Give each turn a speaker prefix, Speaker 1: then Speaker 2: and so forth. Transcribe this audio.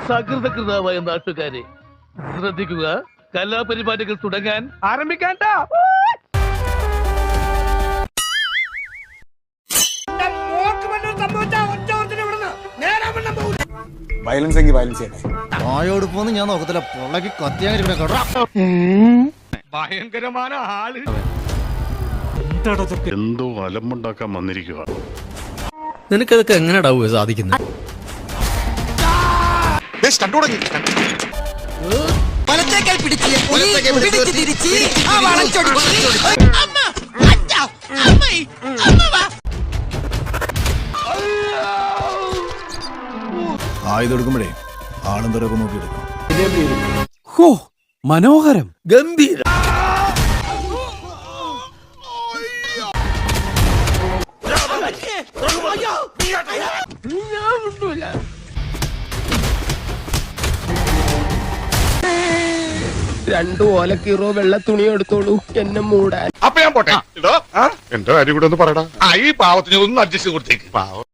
Speaker 1: സകൃതകൃതാവായ നാട്ടുകാരെ ശ്രദ്ധിക്കുക, കലാപരിപാടികൾ തുടങ്ങാൻ ആരംഭിക്കാൻ.
Speaker 2: വയലൻസ് എങ്കിൽ വയലൻസ് ചെയ്യട്ടെ.
Speaker 3: ആയോട് പോന്ന് ഞാൻ നോക്കത്തില്ല, പൊള്ളക്ക് കത്തിയാൻ
Speaker 1: ഭയങ്കരമായ ആള്
Speaker 4: എന്തോ അലമ്പുണ്ടാക്കാൻ വന്നിരിക്കുക.
Speaker 5: നിനക്കതൊക്കെ എങ്ങനെയാ സാധിക്കുന്നത്?
Speaker 3: ആയുധെടുക്കുമ്പോഴേ ആളും തരൊക്കെ നോക്കിയെടുക്കണം.
Speaker 5: മനോഹരം, ഗംഭീര.
Speaker 6: രണ്ടു ഓലക്കീറോ വെള്ള തുണി എടുത്തോളൂ എന്നെ മൂടാൻ.
Speaker 4: അപ്പൊ ഞാൻ പോട്ടെ. എന്റെ കാര്യം കൂടെ ഒന്ന് പറയടാ. ഈ പാവത്തിന് ഒന്ന് അഡ്ജസ്റ്റ് കൊടുത്തേക്ക്.